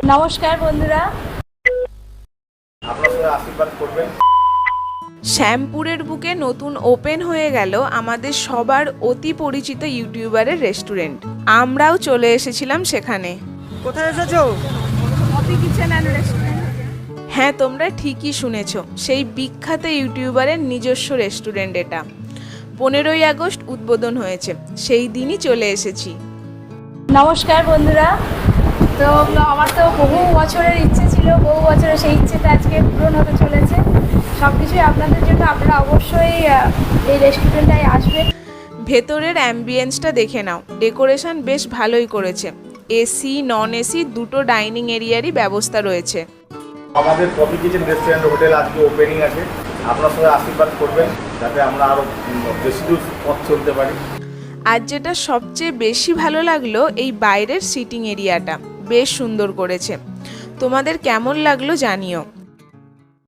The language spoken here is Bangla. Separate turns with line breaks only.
নমস্কার বন্ধুরা,
আপনারা আশীর্বাদ করবেন।
শ্যামপুরের বুকে নতুন ওপেন হয়ে গেল আমাদের সবার অতি পরিচিত ইউটিউবারের রেস্টুরেন্ট। আমরাও চলে এসেছিলাম সেখানে।
কোথায় এসেছো?
Coffee kitchen and restaurant.
হ্যাঁ, তোমরা ঠিকই শুনেছো, সেই বিখ্যাত ইউটিউবারের নিজস্ব রেস্টুরেন্ট এটা। 15ই আগস্ট উদ্বোধন হয়েছে, সেই দিনই চলে এসেছি।
নমস্কার বন্ধুরা, তো আমার তো বহু বছরের ইচ্ছে ছিল, বহু বছরের সেই ইচ্ছেটা আজকে পূরণ হতে চলেছে। সব কিছুই আপনাদের জন্য, আপনারা অবশ্যই এই রেস্টুরেন্টটায় আসবেন।
ভেতরের অ্যাম্বিয়েন্সটা দেখে নাও, ডেকোরেশন বেশ ভালোই করেছে। এসি নন এসি দুটো ডাইনিং এরিয়ারই ব্যবস্থা রয়েছে।
আমাদের কফি কিচেন রেস্টুরেন্ট হোটেল আজকে ওপেনিং আছে। আপনারা সবাই আশীর্বাদ করবেন যাতে আমরা আরও বেশি দূর পথ চলতে পারি।
আর যেটা সবচেয়ে বেশি ভালো লাগলো, এই বাইরের সিটিং এরিয়াটা বেশ সুন্দর করেছে। তোমাদের কেমন লাগলো জানিও।